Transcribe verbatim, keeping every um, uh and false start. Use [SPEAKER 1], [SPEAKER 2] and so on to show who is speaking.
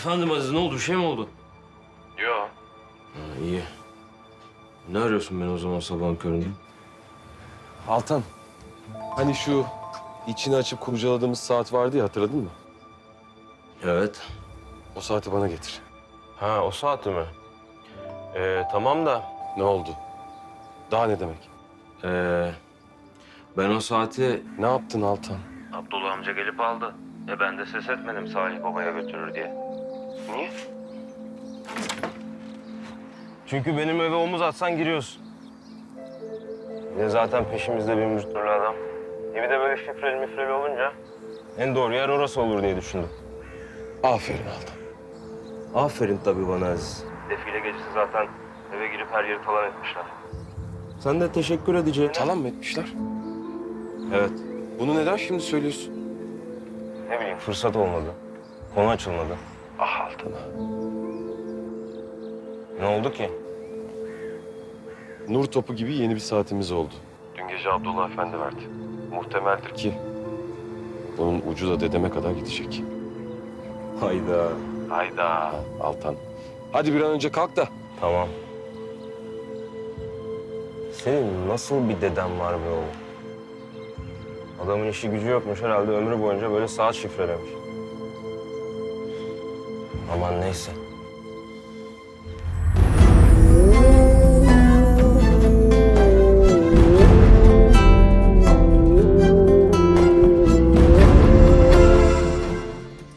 [SPEAKER 1] Efendim Aziz, ne oldu? Bir şey mi oldu?
[SPEAKER 2] Yo.
[SPEAKER 1] Ha, iyi. Ne arıyorsun beni o zaman sabahın köründe?
[SPEAKER 3] Altan, hani şu içini açıp kurcaladığımız saat vardı ya, hatırladın mı?
[SPEAKER 1] Evet.
[SPEAKER 3] O saati bana getir.
[SPEAKER 1] Ha, o saati mi? Ee, tamam da
[SPEAKER 3] Ne oldu? Daha ne demek?
[SPEAKER 1] ee, ben o saati...
[SPEAKER 3] Ne yaptın Altan?
[SPEAKER 2] Abdullah amca gelip aldı. E ben de ses etmedim Salih babaya götürür diye. Niye?
[SPEAKER 1] Çünkü benim eve omuz atsan giriyorsun. Bir de zaten peşimizde bin bir türlü adam. E bir de böyle şifreli mifreli olunca en doğru yer orası olur diye düşündüm.
[SPEAKER 3] Aferin Altan.
[SPEAKER 1] Aferin tabii bana Aziz.
[SPEAKER 2] Defile gecesi zaten eve girip her yeri talan etmişler.
[SPEAKER 1] Sen de teşekkür edeceğine...
[SPEAKER 3] Talan mı etmişler?
[SPEAKER 1] Evet.
[SPEAKER 3] Bunu neden şimdi söylüyorsun?
[SPEAKER 1] Ne bileyim, fırsat olmadı. Konu açılmadı.
[SPEAKER 3] Ah Altan.
[SPEAKER 1] Ne oldu ki?
[SPEAKER 3] Nur topu gibi yeni bir saatimiz oldu.
[SPEAKER 2] Dün gece Abdullah Efendi verdi. Muhtemeldir ki.
[SPEAKER 3] Ki bunun ucu da dedeme kadar gidecek.
[SPEAKER 1] Hayda.
[SPEAKER 2] Hayda.
[SPEAKER 3] Altan. Hadi bir an önce kalk da.
[SPEAKER 1] Tamam. Senin nasıl bir deden var be oğlum? Adamın işi gücü yokmuş herhalde, ömrü boyunca böyle saat şifrelemiş. Aman neyse.